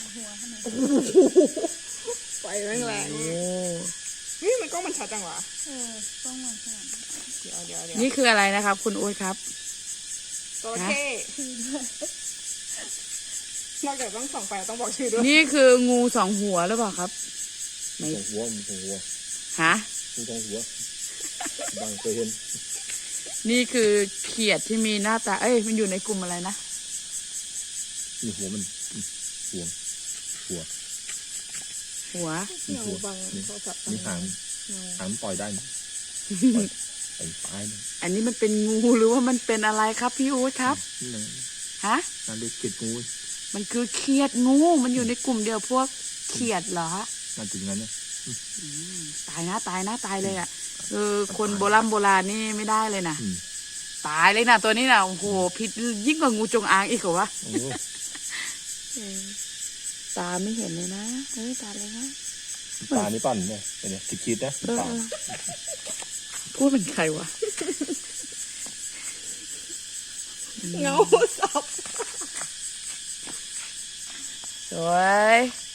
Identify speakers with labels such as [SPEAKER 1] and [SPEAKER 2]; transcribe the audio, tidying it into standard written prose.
[SPEAKER 1] หัวขนาด
[SPEAKER 2] ไฟแรงแรงนี่มันกล้องมันชัดจังวะ
[SPEAKER 1] ต้องมันขนาด
[SPEAKER 2] เดี๋ยว
[SPEAKER 3] นี่คืออะไรนะครับ คุณโอ๊ตครับ
[SPEAKER 2] จระเข้นอกจากต้องส่องไฟต้องบอกชื่อด้วย
[SPEAKER 3] นี่คืองูสองหัวหรือเปล่าครับ
[SPEAKER 4] สองหัวมีสองหัว
[SPEAKER 3] ฮะ
[SPEAKER 4] มีสองหัวบางเคยเห็น
[SPEAKER 3] นี่คือเขียดที่มีหน้าตามันอยู่ในกลุ่มอะไรนะ
[SPEAKER 4] มีหัวมันหัว
[SPEAKER 3] หัว
[SPEAKER 4] มีหัวมีหางปล่อยได้ปล่อยปลาย
[SPEAKER 3] อันนี้มันเป็นงูหรือว่ามันเป็นอะไรครับพี่โอ๊ตครับฮะ
[SPEAKER 4] นั่นเรียกเขียดงู
[SPEAKER 3] มันคือเขียดงูมันอยู่ในกลุ่มเดียวพวกเขียดเหรอ
[SPEAKER 4] น่าจะอย่างนั้นเนี่ย
[SPEAKER 3] ตายเลยอ่ะคนโบราณนี่ไม่ได้เลยนะตายเลยนะตัวนี้นะโอ้โหพิษยิ่งกว่างูจงอางอีกเหรอวะตาไม่เห็นเลยนะตาเลยนะ
[SPEAKER 4] ตานี่ปั่นเนี่ยคิดนะตา
[SPEAKER 3] พูดเป็นใครวะ
[SPEAKER 2] เงาสับ
[SPEAKER 3] สวย